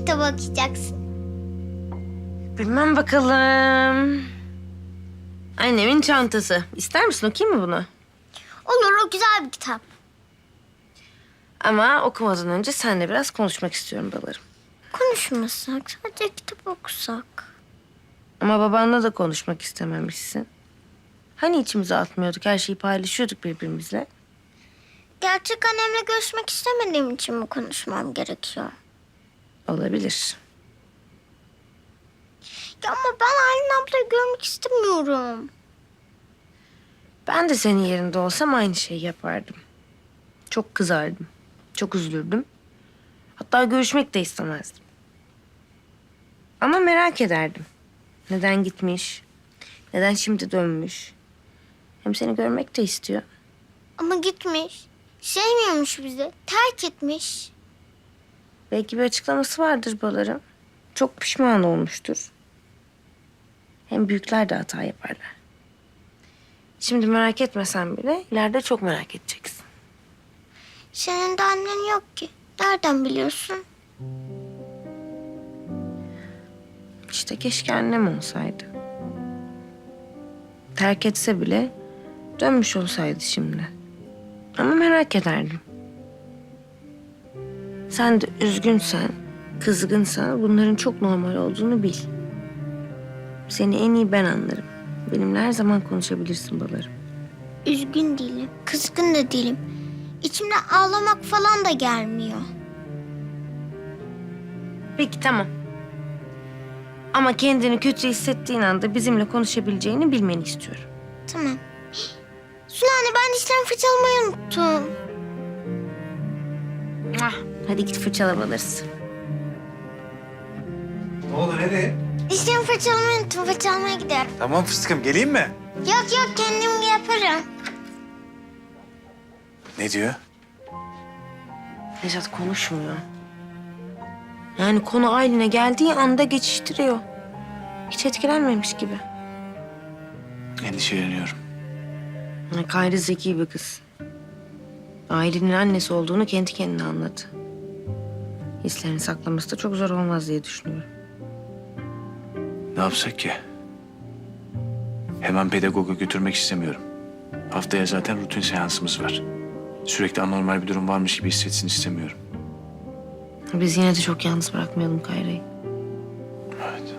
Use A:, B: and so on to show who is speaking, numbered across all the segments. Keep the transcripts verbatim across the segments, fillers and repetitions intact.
A: kitabı okuyacaksın?
B: Bilmem bakalım. Annemin çantası. İster misin, okuyayım mı bunu?
A: Olur, o güzel bir kitap.
B: Ama okumadan önce seninle biraz konuşmak istiyorum balarım.
A: Konuşmasak, sadece kitap okusak.
B: Ama babanla da konuşmak istememişsin. Hani içimize atmıyorduk, her şeyi paylaşıyorduk birbirimizle.
A: Gerçek annemle görüşmek istemediğim için mi konuşmam gerekiyor?
B: Olabilir.
A: Ya ama ben Aylin ablayı görmek istemiyorum.
B: Ben de senin yerinde olsam aynı şeyi yapardım. Çok kızardım. Çok üzülürdüm. Hatta görüşmek de istemezdim. Ama merak ederdim. Neden gitmiş? Neden şimdi dönmüş? Hem seni görmek de istiyor.
A: Ama gitmiş. Sevmiyormuş bizi. Terk etmiş.
B: Belki bir açıklaması vardır balarım. Çok pişman olmuştur. Hem büyükler de hata yaparlar. Şimdi merak etmesen bile ileride çok merak edeceksin.
A: Senin de annen yok ki. Nereden biliyorsun?
B: İşte keşke annem olsaydı. Terk etse bile dönmüş olsaydı şimdi. Ama merak ederdim. Sen de üzgünsen, kızgınsan bunların çok normal olduğunu bil. Seni en iyi ben anlarım. Benimle her zaman konuşabilirsin balarım.
A: Üzgün değilim. Kızgın da değilim. İçimden ağlamak falan da gelmiyor.
B: Peki tamam. Ama kendini kötü hissettiğin anda bizimle konuşabileceğini bilmeni istiyorum.
A: Tamam. Sulu anne, ben dişlerimi fırçalamayı unuttum.
B: Ah, hadi git fırçala balarız.
C: Ne oldu, nereye?
A: Dişlerimi fırçalamayı unuttum. Fırçalamaya gidiyorum.
C: Tamam fıstıkım, geleyim mi?
A: Yok yok, kendim yaparım.
C: Ne diyor?
B: Nejat konuşmuyor. Yani konu Aylin'e geldiği anda geçiştiriyor. Hiç etkilenmemiş gibi.
C: Endişeleniyorum.
B: Yani Kayri zeki bir kız. Aylin'in annesi olduğunu kendi kendine anladı. Hislerini saklaması da çok zor olmaz diye düşünüyorum.
C: Ne yapsak ki? Hemen pedagoga götürmek istemiyorum. Haftaya zaten rutin seansımız var. Sürekli anormal bir durum varmış gibi hissetsin istemiyorum.
B: Biz yine de çok yalnız bırakmayalım Kayra'yı.
C: Evet.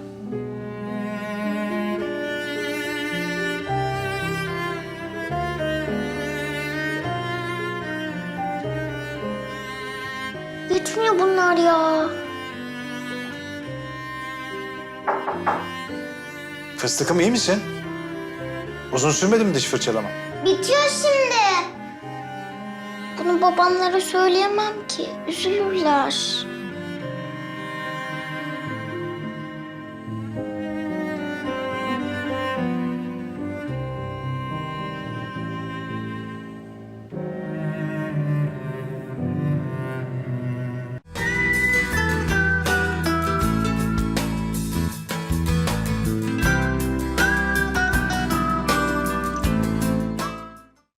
A: Gitmiyor bunlar ya.
C: Fıstıkım, iyi misin? Uzun sürmedi mi diş fırçalama?
A: Bitiyor şimdi. Bunu babamlara söyleyemem ki. Üzülürler.